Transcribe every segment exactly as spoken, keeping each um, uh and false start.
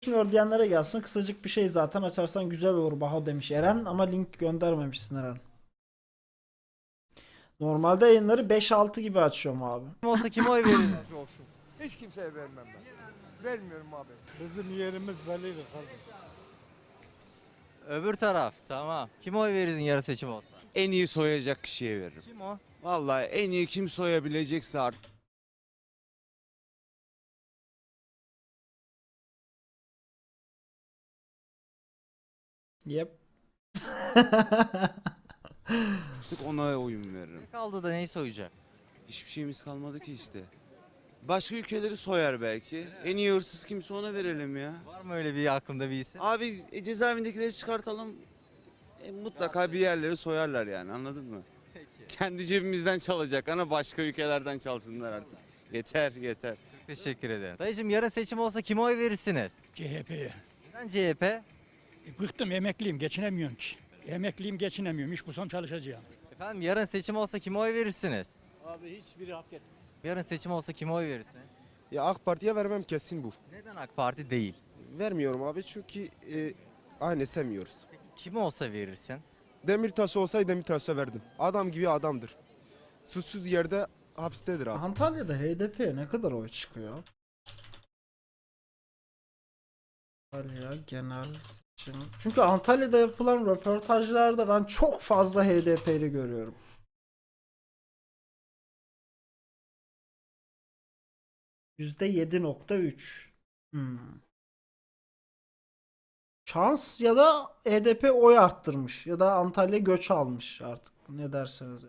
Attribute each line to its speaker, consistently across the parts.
Speaker 1: Düşünüyor diyenlere gelsin. Kısacık bir şey zaten açarsan güzel olur Baho demiş Eren ama link göndermemişsin Eren. Normalde yayınları beş altı gibi açıyorum abi.
Speaker 2: Kim olsa kime oy verir?
Speaker 3: Razı olsun. Hiç kimseye vermem ben. Vermiyorum abi.
Speaker 4: Bizim yerimiz belliydi kardeşim.
Speaker 2: Öbür taraf tamam. Kime oy verirdin yarı seçim olsa?
Speaker 5: En iyi soyacak kişiye veririm.
Speaker 2: Kim o?
Speaker 5: Vallahi en iyi kim soyabilecekse artık.
Speaker 1: Yep.
Speaker 5: Ona oyun veririm.
Speaker 2: Ne kaldı da neyi soyacak?
Speaker 5: Hiçbir şeyimiz kalmadı ki işte. Başka ülkeleri soyar belki. En iyi hırsız kimse ona verelim ya.
Speaker 2: Var mı öyle bir aklında bir isim?
Speaker 5: Abi e, cezaevindekileri çıkartalım. E, mutlaka bir yerleri soyarlar yani, anladın mı? Kendi cebimizden çalacak ama başka ülkelerden çalsınlar artık. Yeter yeter.
Speaker 2: Çok teşekkür ederim. Dayıcım yarın seçim olsa kime oy verirsiniz?
Speaker 6: C H P'ye.
Speaker 2: Neden C H P?
Speaker 6: E, bıktım, emekliyim, geçinemiyorum ki. Emekliyim, geçinemiyorum. İş bulsam çalışacağım.
Speaker 2: Efendim yarın seçim olsa kime oy verirsiniz?
Speaker 4: Abi hiçbiri hak etmiyor.
Speaker 2: Yarın seçim olsa kime oy verirsiniz?
Speaker 7: Ya AK Parti'ye vermem kesin bu.
Speaker 2: Neden AK Parti değil?
Speaker 7: Vermiyorum abi çünkü e, aynı sevmiyoruz.
Speaker 2: Peki kim olsa verirsin?
Speaker 7: Demirtaş olsaydı Demirtaş'a verdim. Adam gibi adamdır. Suçsuz yerde hapistedir abi.
Speaker 1: Antalya'da H D P'ye ne kadar oy çıkıyor? Antalya genel seçim. Çünkü Antalya'da yapılan röportajlarda ben çok fazla H D P'li görüyorum. yüzde yedi nokta üç. Hmm. Şans ya da H D P oy arttırmış ya da Antalya göç almış artık ne derseniz.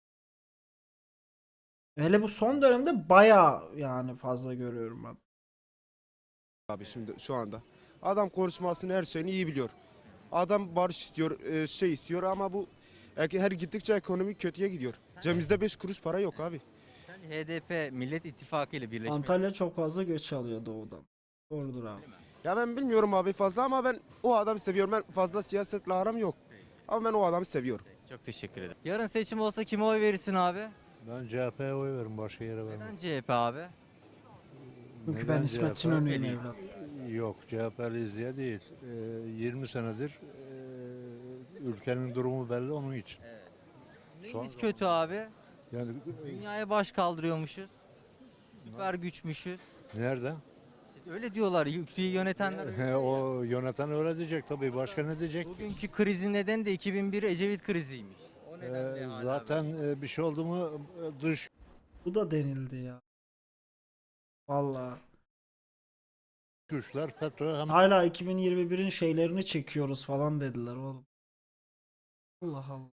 Speaker 1: Hele bu son dönemde baya yani fazla görüyorum ben.
Speaker 7: Abi şimdi şu anda. Adam konuşmasını her şeyini iyi biliyor. Adam barış istiyor, e, şey istiyor ama bu e, her gittikçe ekonomi kötüye gidiyor. Cebimizde beş kuruş para yok abi.
Speaker 2: Sence H D P Millet İttifakı ile birleşmek
Speaker 1: Antalya çok fazla göç alıyor doğudan. Doğrudur abi.
Speaker 7: Ya ben bilmiyorum abi fazla ama ben o adamı seviyorum. Ben fazla siyasetle aram yok. Ama ben o adamı seviyorum.
Speaker 2: Çok teşekkür ederim. Yarın seçim olsa kime oy verirsin abi?
Speaker 4: Ben C H P'ye oy veririm, başka yere vermem.
Speaker 2: Neden C H P abi?
Speaker 1: Çünkü
Speaker 4: Neden
Speaker 1: ben İsmet
Speaker 4: C H P?
Speaker 1: İnönü'yüm evlat.
Speaker 4: Yok, C H P'liyiz diye değil. Ee, yirmi senedir e, ülkenin durumu belli onun için.
Speaker 2: Neyimiz kötü abi?
Speaker 4: Yani
Speaker 2: Dünyaya baş kaldırıyormuşuz. Süper güçmüşüz.
Speaker 4: nerede?
Speaker 2: İşte öyle diyorlar ülkeyi yönetenler. öyle.
Speaker 4: He, o yöneten öyle diyecek tabii. Başka ne diyecek?
Speaker 2: Bugünkü krizin nedeni de iki bin bir Ecevit kriziymiş. O
Speaker 4: Ee,
Speaker 2: nedenle hala
Speaker 4: zaten e, bir şey oldu mu e, dış
Speaker 1: Bu da denildi ya. Vallahi.
Speaker 4: güçler FETÖ hem
Speaker 1: Hala iki bin yirmi birin şeylerini çekiyoruz falan dediler oğlum. Allah Allah.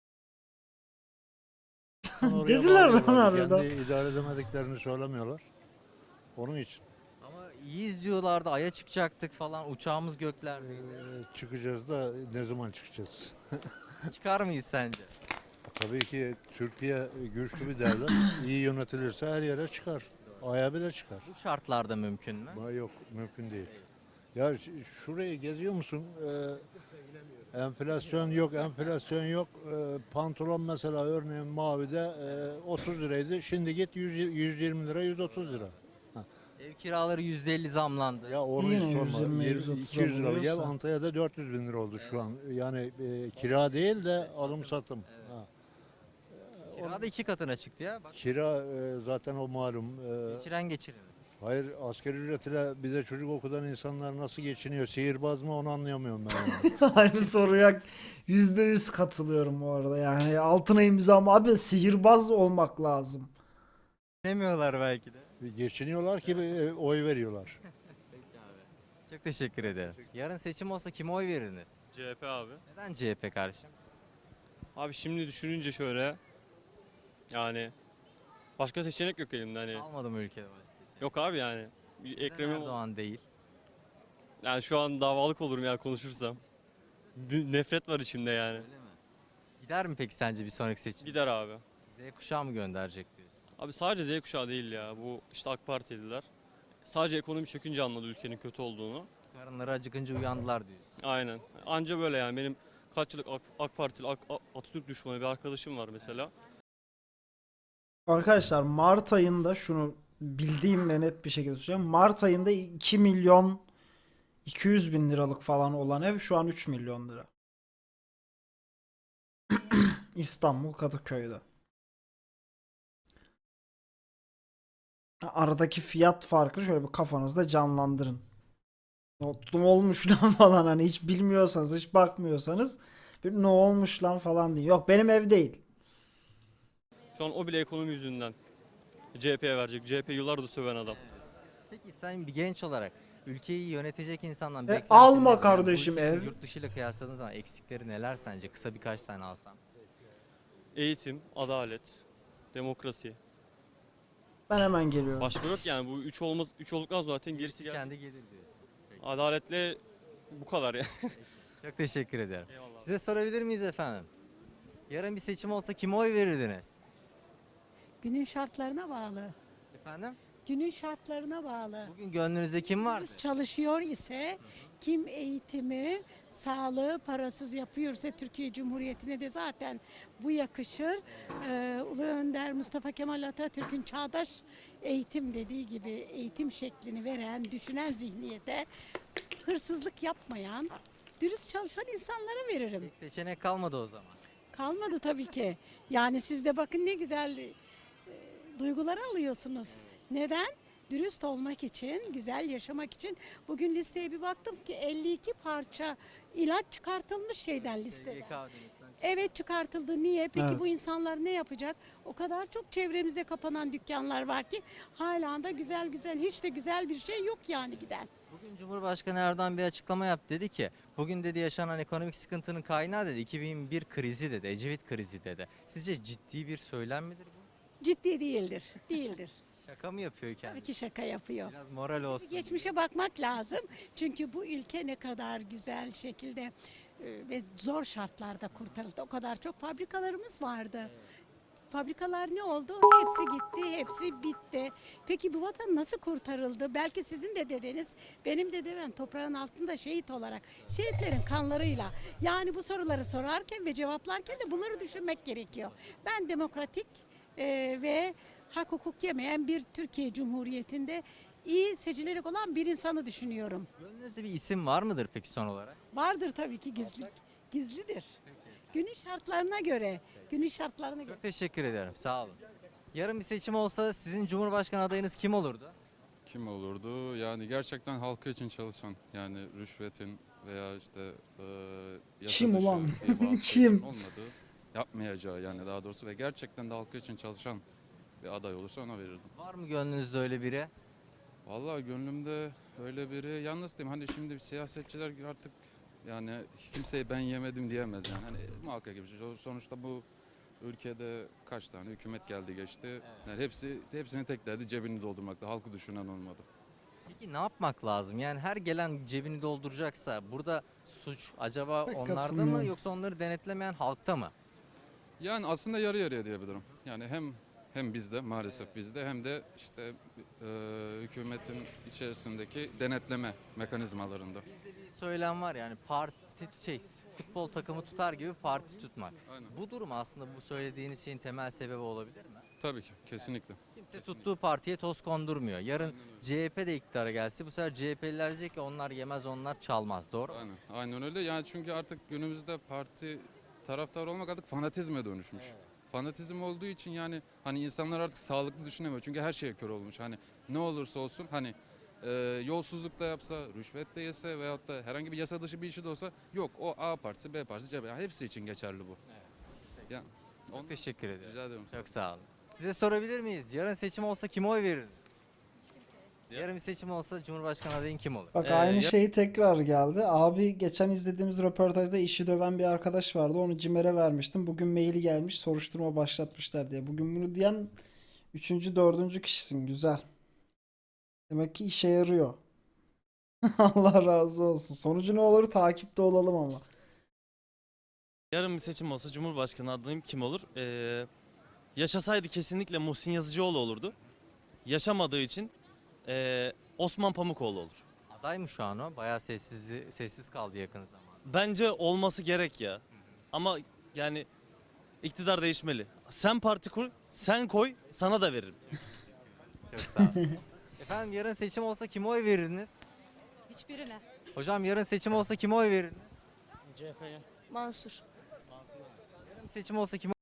Speaker 4: oraya
Speaker 1: Dediler lan
Speaker 4: bağlıyorlar.
Speaker 1: harbiden.
Speaker 4: Kendi idare edemediklerini söylemiyorlar. Onun için.
Speaker 2: ama iyiyiz diyorlardı aya çıkacaktık falan uçağımız göklerde.
Speaker 4: Ee, çıkacağız da ne zaman çıkacağız?
Speaker 2: Çıkar mıyız sence?
Speaker 4: Tabii ki Türkiye güçlü bir devlet. İyi yönetilirse her yere çıkar. Aya bile çıkar.
Speaker 2: Bu şartlarda mümkün mü?
Speaker 4: Ama yok, mümkün değil. Ya ş- şurayı geziyor musun? Ee, enflasyon yok, enflasyon yok. Ee, pantolon mesela örneğin mavide e, otuz liraydı. Şimdi git yüz, yüz yirmi lira, yüz otuz lira.
Speaker 2: Ev kiraları yüzde elli zamlandı.
Speaker 4: Ya onu
Speaker 1: Yine
Speaker 4: hiç sorma.
Speaker 1: yüz yirmi,
Speaker 4: Yirmi-
Speaker 1: yüz otuz
Speaker 4: iki yüz liralık ev
Speaker 1: oluyorsa.
Speaker 4: Antalya'da dört yüz bin lira oldu şu an. Yani e, kira değil de alım satım. Ha.
Speaker 2: Kira da iki katına çıktı ya. Bak
Speaker 4: Kira e, zaten o malum. E,
Speaker 2: geçiren geçirir.
Speaker 4: hayır, asgari ücretle bize çocuk okutan insanlar nasıl geçiniyor? Sihirbaz mı onu anlayamıyorum ben. yani.
Speaker 1: Aynı soruya yüzde yüz katılıyorum bu arada yani altına imzam abi sihirbaz olmak lazım.
Speaker 2: Demiyorlar belki de.
Speaker 4: Geçiniyorlar ki e, oy veriyorlar.
Speaker 2: Çok teşekkür ederim. Yarın seçim olsa kime oy verirsiniz?
Speaker 8: C H P abi.
Speaker 2: Neden C H P kardeşim?
Speaker 8: Abi şimdi düşününce şöyle yani başka seçenek yok elimde hani.
Speaker 2: Almadım ülkede başka seçim.
Speaker 8: Yok abi yani. Bir
Speaker 2: Neden
Speaker 8: Ekrem İmamoğlu.
Speaker 2: Erdoğan değil.
Speaker 8: Yani şu an davalık olurum ya konuşursam. Bir nefret var içimde yani.
Speaker 2: Öyle mi? Gider mi peki sence bir sonraki seçim?
Speaker 8: Gider abi.
Speaker 2: Z kuşağı mı gönderecek diyorsun?
Speaker 8: Abi sadece Z kuşağı değil ya. Bu işte AK Partililer. Sadece ekonomi çökünce anladı ülkenin kötü olduğunu.
Speaker 2: Karınları acıkınca uyandılar diyorsun.
Speaker 8: Aynen. Anca böyle yani. Benim kaç yıllık AK, AK Partili, AK- Atatürk düşmanı bir arkadaşım var mesela.
Speaker 1: Arkadaşlar Mart ayında şunu bildiğim ve net bir şekilde söyleyeceğim. Mart ayında iki milyon iki yüz bin liralık falan olan ev şu an üç milyon lira. İstanbul Kadıköy'de. Aradaki fiyat farkını şöyle bir kafanızda canlandırın. Notlum olmuş lan falan, hani hiç bilmiyorsanız, hiç bakmıyorsanız bir ne olmuş lan falan deyin. Yok, benim ev değil.
Speaker 8: Şu an o bile ekonomi yüzünden C H P'ye verecek. C H P yıllardır söven adam.
Speaker 2: Peki sen bir genç olarak ülkeyi yönetecek insandan
Speaker 1: E,
Speaker 2: beklentinin
Speaker 1: alma
Speaker 2: ne? Bu
Speaker 1: kardeşim
Speaker 2: ülkenin
Speaker 1: ev.
Speaker 2: Yurt dışı ile kıyasladığın zaman eksikleri neler sence? Kısa birkaç tane alsam.
Speaker 8: Eğitim, adalet, demokrasi.
Speaker 1: Ben hemen geliyorum.
Speaker 8: Başka yok yani bu üç olmaz üç olduktan zaten gerisi geldi.
Speaker 2: Kendi gelir diyorsun.
Speaker 8: Adaletle bu kadar ya.
Speaker 2: Çok teşekkür ederim.
Speaker 8: Eyvallah.
Speaker 2: Size sorabilir miyiz efendim? Yarın bir seçim olsa kime oy verirdiniz?
Speaker 9: Günün şartlarına bağlı.
Speaker 2: Efendim?
Speaker 9: Günün şartlarına bağlı.
Speaker 2: Bugün gönlünüzde kim vardı?
Speaker 9: Biz çalışıyor ise, kim eğitimi, sağlığı parasız yapıyorsa Türkiye Cumhuriyeti'ne de zaten bu yakışır. Ee, Ulu Önder Mustafa Kemal Atatürk'ün çağdaş eğitim dediği gibi eğitim şeklini veren, düşünen zihniyete hırsızlık yapmayan, dürüst çalışan insanlara veririm.
Speaker 2: Seçenek kalmadı o zaman.
Speaker 9: Kalmadı tabii ki. Yani siz de bakın ne güzel e, duyguları alıyorsunuz. Neden? Dürüst olmak için, güzel yaşamak için. Bugün listeye bir baktım ki elli iki parça ilaç çıkartılmış şeyden listeden. Evet, çıkartıldı. Niye? Peki
Speaker 1: Evet.
Speaker 9: bu insanlar ne yapacak? O kadar çok çevremizde kapanan dükkanlar var ki hala da güzel güzel, hiç de güzel bir şey yok yani giden.
Speaker 2: Bugün Cumhurbaşkanı Erdoğan bir açıklama yaptı. Dedi ki bugün dedi yaşanan ekonomik sıkıntının kaynağı dedi iki bin bir krizi dedi. Ecevit krizi dedi. Sizce ciddi bir söylem midir bu?
Speaker 9: Ciddi değildir. Değildir.
Speaker 2: Şaka mı yapıyor
Speaker 9: Tabii
Speaker 2: kendisi?
Speaker 9: ki şaka yapıyor.
Speaker 2: Biraz moral olsun.
Speaker 9: Geçmişe bakmak lazım. Çünkü bu ülke ne kadar güzel şekilde e, ve zor şartlarda kurtarıldı. O kadar çok fabrikalarımız vardı. Fabrikalar ne oldu? Hepsi gitti, hepsi bitti. Peki bu vatan nasıl kurtarıldı? Belki sizin de dedeniz, benim de dedem toprağın altında şehit olarak, şehitlerin kanlarıyla. Yani bu soruları sorarken ve cevaplarken de bunları düşünmek gerekiyor. Ben demokratik e, ve hak hukuk yemeyen bir Türkiye Cumhuriyeti'nde iyi seçilerek olan bir insanı düşünüyorum.
Speaker 2: Gönlünüzde bir isim var mıdır peki son olarak?
Speaker 9: Vardır tabii ki gizli, gizlidir. Günün şartlarına göre, günün şartlarına göre.
Speaker 2: Çok teşekkür ederim. Sağ olun. Yarın bir seçim olsa sizin Cumhurbaşkanı adayınız kim olurdu?
Speaker 10: Kim olurdu? Yani gerçekten halkı için çalışan, yani rüşvetin veya işte e, yasa
Speaker 1: Kim
Speaker 10: dışı
Speaker 1: ulan?
Speaker 10: bir bazı
Speaker 1: Kim?
Speaker 10: şeylerin olmadığı, yapmayacağı yani daha doğrusu ve gerçekten de halkı için çalışan bir aday olursa ona verirdim.
Speaker 2: Var mı gönlünüzde öyle biri?
Speaker 10: Vallahi gönlümde öyle biri, yalnız diyeyim hani şimdi siyasetçiler artık yani kimseyi ben yemedim diyemez yani. Hani muhakkak gibi. Sonuçta bu ülkede kaç tane hükümet geldi geçti. Yani hepsi hepsini tek derdi cebini doldurmakta. Halkı düşünen olmadı.
Speaker 2: Peki ne yapmak lazım? Yani her gelen cebini dolduracaksa burada suç acaba
Speaker 1: Pek
Speaker 2: onlarda mı
Speaker 1: katılmıyorum.
Speaker 2: yoksa onları denetlemeyen halkta mı?
Speaker 10: Yani aslında yarı yarıya diyebilirim. Yani hem hem bizde maalesef bizde hem de işte e, hükümetin içerisindeki denetleme mekanizmalarında.
Speaker 2: Bizde bir söylem var yani parti şey futbol takımı tutar gibi parti tutmak.
Speaker 10: Aynen.
Speaker 2: Bu durum aslında bu söylediğiniz şeyin temel sebebi olabilir mi?
Speaker 10: Tabii ki kesinlikle.
Speaker 2: Kimse tuttuğu partiye toz kondurmuyor. Yarın C H P de iktidara gelse bu sefer C H P'liler diyecek ki onlar yemez onlar çalmaz. Doğru mu?
Speaker 10: Aynen. Aynen öyle. Yani çünkü artık günümüzde parti taraftar olmak artık fanatizme dönüşmüş. Fanatizm olduğu için yani hani insanlar artık sağlıklı düşünemiyor. Çünkü her şeye kör olmuş. Hani ne olursa olsun hani e, yolsuzluk da yapsa, rüşvet de yese veyahut da herhangi bir yasa dışı bir işi de olsa yok o A partisi, B partisi, C H P yani hepsi için geçerli bu. Yani,
Speaker 2: Çok teşekkür ederim.
Speaker 10: rica ederim.
Speaker 2: Çok sağ olun. Size sorabilir miyiz? Yarın seçim olsa kime oy verirdiniz? Yarın bir seçim olsa Cumhurbaşkanı adayın kim olur?
Speaker 1: Bak
Speaker 8: Ee,
Speaker 1: aynı
Speaker 8: ya-
Speaker 1: şey tekrar geldi. Abi geçen izlediğimiz röportajda işi döven bir arkadaş vardı. Onu CİMER'e vermiştim. Bugün maili gelmiş soruşturma başlatmışlar diye. Bugün bunu diyen üçüncü, dördüncü kişisin. Güzel. Demek ki işe yarıyor. Allah razı olsun. Sonucu ne olur takipte olalım ama.
Speaker 11: Yarın bir seçim olsa Cumhurbaşkanı adayım kim olur? Ee, yaşasaydı kesinlikle Muhsin Yazıcıoğlu olurdu. Yaşamadığı için ee, Osman Pamukoğlu olur.
Speaker 2: Aday mı şu an o? Bayağı sessiz, sessiz kaldı yakın zamanda.
Speaker 11: Bence olması gerek ya. Ama yani iktidar değişmeli. Sen parti kur, sen koy, sana da veririm.
Speaker 2: Çok sağ olun. Efendim yarın seçim olsa kime oy verirdiniz?
Speaker 12: Hiçbirine.
Speaker 2: Hocam yarın seçim olsa kime oy verirdiniz?
Speaker 11: C H P'ye.
Speaker 12: Mansur.
Speaker 2: Yarın seçim olsa kime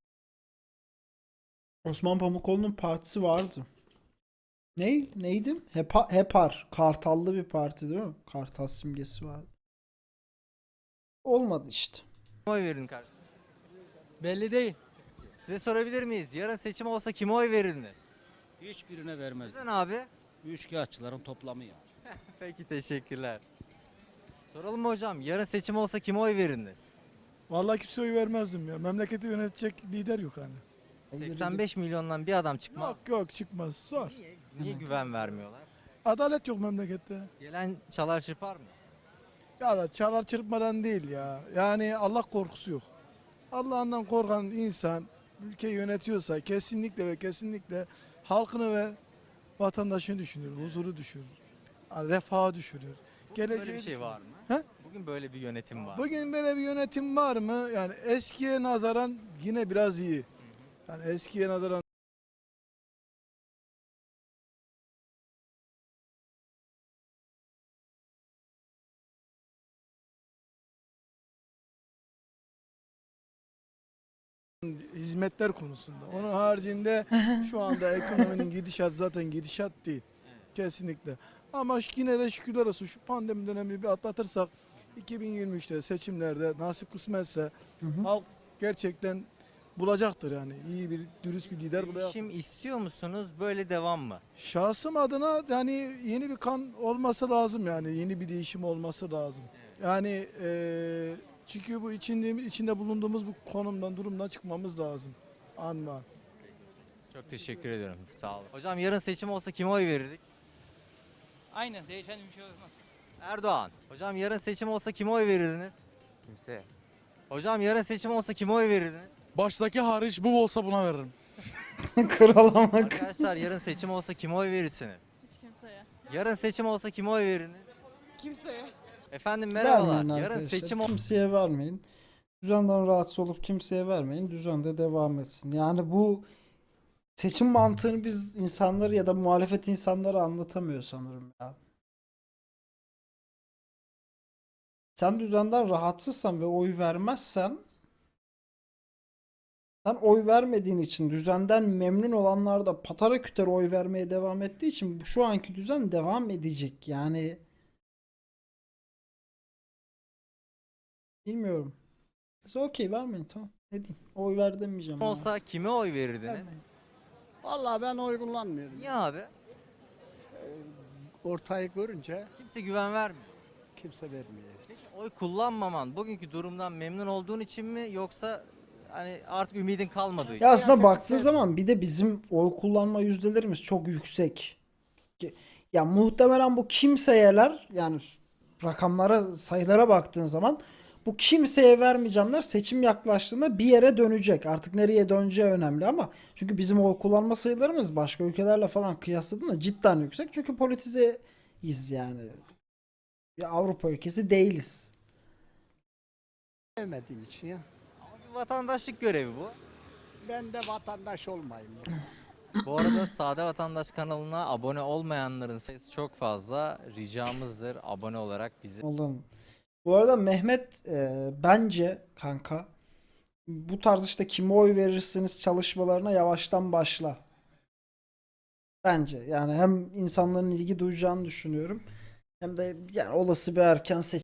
Speaker 1: Osman Pamukoğlu'nun partisi vardı. Ne? Neydi? Hepa, Hepar. Kartallı bir parti değil mi? Kartal simgesi vardı. Olmadı işte.
Speaker 2: oy verirdin kardeşim?
Speaker 6: Belli değil.
Speaker 2: Size sorabilir miyiz? Yarın seçim olsa kime oy verirdiniz?
Speaker 6: Hiçbirine vermez.
Speaker 2: Neden abi?
Speaker 6: Üçkağıtçıların toplamı ya.
Speaker 2: Peki teşekkürler. Soralım mı hocam? Yarın seçim olsa kime oy verirdiniz?
Speaker 3: Vallahi kimse oy vermezdim ya. Memleketi yönetecek lider yok hani.
Speaker 2: seksen beş milyondan bir adam çıkmaz.
Speaker 3: Yok yok çıkmaz. Zor.
Speaker 2: Niye, niye güven vermiyorlar?
Speaker 3: Adalet yok memlekette.
Speaker 2: Gelen çalar çırpar mı?
Speaker 3: Ya da çalar çırpmadan değil ya. Yani Allah korkusu yok. Allah'ından korkan insan ülkeyi yönetiyorsa kesinlikle ve kesinlikle halkını ve vatandaşını düşünür, huzuru düşünür, yani refahı düşünür.
Speaker 2: Bugün böyle
Speaker 3: Geleceği
Speaker 2: bir şey
Speaker 3: düşünür.
Speaker 2: var mı?
Speaker 3: He?
Speaker 2: Bugün böyle bir yönetim var.
Speaker 3: Bugün böyle bir yönetim var mı? Yani eskiye nazaran yine biraz iyi. Yani eskiye nazaran hizmetler konusunda. Onun haricinde şu anda ekonominin gidişat zaten gidişat değil. Kesinlikle. Ama şu- yine de şükürler olsun şu pandemi dönemini bir atlatırsak iki bin yirmi üçte seçimlerde nasip kısmetse
Speaker 1: Hı hı.
Speaker 3: halk gerçekten bulacaktır yani. İyi bir, dürüst bir lider bulacaktır.
Speaker 2: Değişim istiyor musunuz? Böyle devam mı?
Speaker 3: Şahsım adına yani yeni bir kan olması lazım yani. Yeni bir değişim olması lazım. Yani eee, çünkü bu içinde, içinde bulunduğumuz bu konumdan, durumdan çıkmamız lazım. An be an.
Speaker 2: Çok teşekkür ediyorum. Sağ olun. Hocam yarın seçim olsa kime oy verirdik?
Speaker 6: Aynen değişen bir şey olmaz.
Speaker 2: Erdoğan. Hocam yarın seçim olsa kime oy verirdiniz?
Speaker 5: Kimse.
Speaker 2: Hocam yarın seçim olsa kime oy verirdiniz?
Speaker 8: Baştaki hariç bu olsa buna veririm.
Speaker 1: Kralamak.
Speaker 2: Arkadaşlar yarın seçim olsa kime oy verirsiniz?
Speaker 12: Hiç kimseye.
Speaker 2: Yarın seçim olsa kime oy verirsiniz?
Speaker 12: Kimseye.
Speaker 2: Efendim merhabalar.
Speaker 1: Vermeyin
Speaker 2: Yarın
Speaker 1: arkadaşlar.
Speaker 2: seçim ol-
Speaker 1: Kimseye vermeyin. Düzenden rahatsız olup kimseye vermeyin. Düzen de devam etsin. Yani bu seçim mantığını biz insanları ya da muhalefet insanları anlatamıyor sanırım ya. Sen düzenden rahatsızsan ve oy vermezsen sen oy vermediğin için düzenden memnun olanlar da patara küter oy vermeye devam ettiği için bu- şu anki düzen devam edecek. Yani bilmiyorum. Size okey vermeyin tamam. Ne diyeyim? Oy ver demeyeceğim. ya.
Speaker 2: olsa kime oy verirdiniz?
Speaker 1: Vermeyin.
Speaker 13: Vallahi ben oy kullanmıyorum.
Speaker 2: Niye abi?
Speaker 13: Ortayı görünce
Speaker 2: Kimse güven vermiyor.
Speaker 13: kimse vermiyor.
Speaker 2: Peki oy kullanmaman bugünkü durumdan memnun olduğun için mi yoksa hani artık ümidin kalmadığı için?
Speaker 1: Ya aslında
Speaker 13: Siyaseti
Speaker 1: baktığın
Speaker 13: sev-
Speaker 1: zaman bir de bizim oy kullanma yüzdelerimiz çok yüksek. Ki- Ya muhtemelen bu kimseyeler yani rakamlara sayılara baktığın zaman bu kimseye vermeyeceğimler seçim yaklaştığında bir yere dönecek. Artık nereye döneceği önemli ama çünkü bizim oy kullanma sayılarımız başka ülkelerle falan kıyasladığında cidden yüksek. Çünkü politizeyiz yani. Bir Avrupa ülkesi değiliz.
Speaker 13: Sevmediğim için ya.
Speaker 2: Bir vatandaşlık görevi bu.
Speaker 13: Ben de vatandaş olmayayım.
Speaker 2: Bu arada Sade Vatandaş kanalına abone olmayanların sayısı çok fazla. Ricamızdır abone olarak bizi.
Speaker 1: Oğlum. Bu arada Mehmet e, bence kanka bu tarz işte kime oy verirsiniz çalışmalarına yavaştan başla. Bence yani hem insanların ilgi duyacağını düşünüyorum hem de yani olası bir erken seçim